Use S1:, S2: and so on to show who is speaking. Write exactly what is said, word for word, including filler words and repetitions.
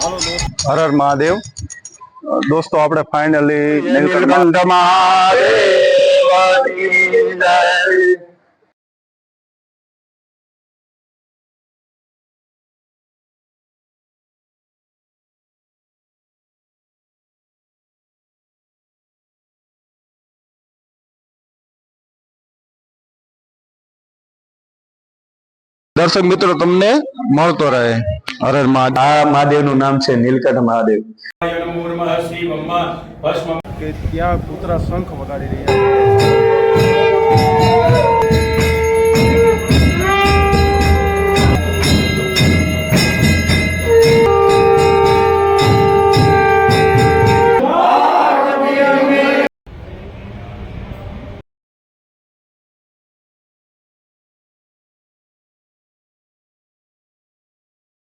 S1: हर हर महादेव। दोस्तों આપણે ફાઇનલી
S2: નીલકંઠ મહાદેવની જય। દર્શક મિત્રો તમને મળતો રહે। હર હર મહાદેવ। આ મહાદેવનું નામ છે નીલકંઠ મહાદેવ।
S3: કે ત્યાં કૂતરા શંખ વગાડી રહ્યા છે।